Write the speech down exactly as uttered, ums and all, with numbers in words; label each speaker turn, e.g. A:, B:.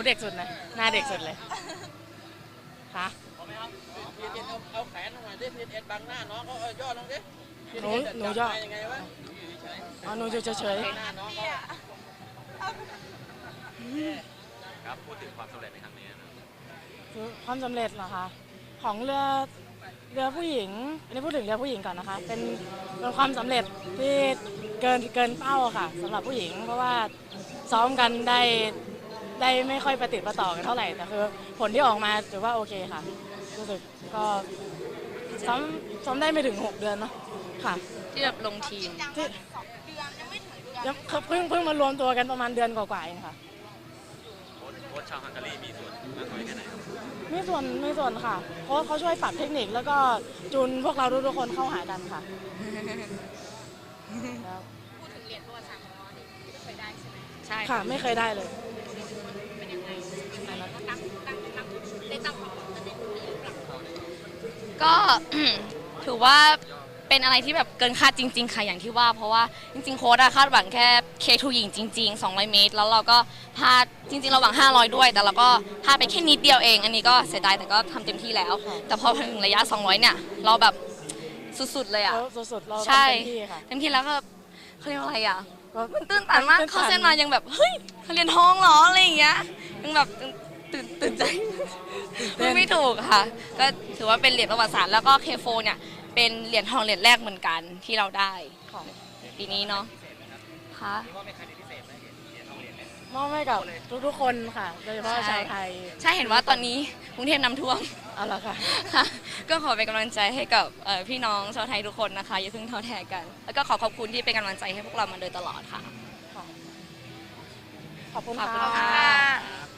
A: เด็กสุดนะหน้าเด็กสุดเลยค่ะ
B: พีเอ็นเอาเอาแขนลงมาดิพีเอ็นบังหน้าน้องเขาย่อลงดิ
A: หนูหนูย่อ
B: ยังไงวะ
A: อ๋อหนูอยู่เฉย
B: หน้าน้องเขา
C: ครับพูดถึงความสำเร็จในครั้งนี้นะ
A: ๆคือความสำเร็จเหรอคะของเรือเรือผู้หญิงอันนี้พูดถึงเรือผู้หญิงก่อนนะคะเป็นเป็นความสำเร็จที่เกินเกินเป้าค่ะสำหรับผู้หญิง เพราะว่าซ้อมกันได้ได้ไม่ค่อยประติดประต่อกันเท่าไหร่แต่คือผลที่ออกมาถือว่าโอเคค่ะรู้สึกก็ซ้อมซ้อมได้ไม่ถึงหกเดือนเนาะค่ะ
D: ที่แบบลงทีม
A: ที่ยังเพิ่งเพิ่งมารวมตัวกันประมาณเดือนกว่าๆเองค่ะ
C: โค้ชโค้ชชาวฮังการีมีส่วนมากน้อยแค่ไหนครับ
A: มีส่วนมีส่วนค่ะเพราะเขาช่วยปรับเทคนิคแล้วก็จูนพวกเราทุกๆคนเข้าหากันค่ะแล้ว
E: พูดถึงเหรียญประวัติศาสตร์ของเราเนี่ยไม่เคยได้ใช่ไหม
D: ใช่
A: ค่ะไม่เคยได้เลย
E: เป็นยังไงตั้งตั้งตั้งได้ตั้งความหวังกันในตรงนี้หรือเปล่า
D: ก็ ถือว่าเป็นอะไรที่แบบเกินคาดจริงๆค่ะอย่างที่ว่าเพราะว่าจริงๆโค้ชอะคาดหวังแค่ เค ทู หญิงจริงๆสองร้อยเมตรแล้วเราก็พลาดจริงๆเราหวังห้าร้อยด้วยแต่เราก็พลาดไปแค่นิดเดียวเองอันนี้ก็เสียดายแต่ก็ทำเต็มที่แล้ว แต่พอถึงระยะสองร้อยเนี่ยเราแบบสุดๆเลยอะ
A: แล้วสุดๆเรา
D: ใช่
A: ทำเต็มที่ค่ะ
D: เต็มที่แล้วก็เขาเรียกว่าอะไรอะ
A: ก็
D: มันตื่นตันมากเข้าเส้นมายังแบบเฮ้ยเขาเรียนทองเหรออะไรอย่างเงี้ยยังแบบตื่นตื่นใจพูดไม่ถูกค่ะ ก็ถือว่าเป็นเหรียญประวัติศาสตร์แล้วก็ เค โฟร์ เนี่ยเป็นเหรียญทองเหรียญแรกเหมือนกันที่เราได้ของปีนี้เนาะค่ะ
A: มอบให้กับทุกๆคนค่ะโดยเฉพาะชาวไทย
D: ใช่เห็นว่าตอนนี้กรุงเทพน้ำท่วม
A: เอาละค่ะ
D: ค่ะก็ขอเป็นกำลังใจให้กับเอ่อพี่น้องชาวไทยทุกคนนะคะอย่าเพิ่งท้อแท้กัน แล้วก็ขอขอบคุณที่เป็นกำลังใจให้พวกเรามาโดยตลอดค่ะ
A: ขอบคุณ
D: ขอบคุณ
A: ค่ะ
D: ค่ะ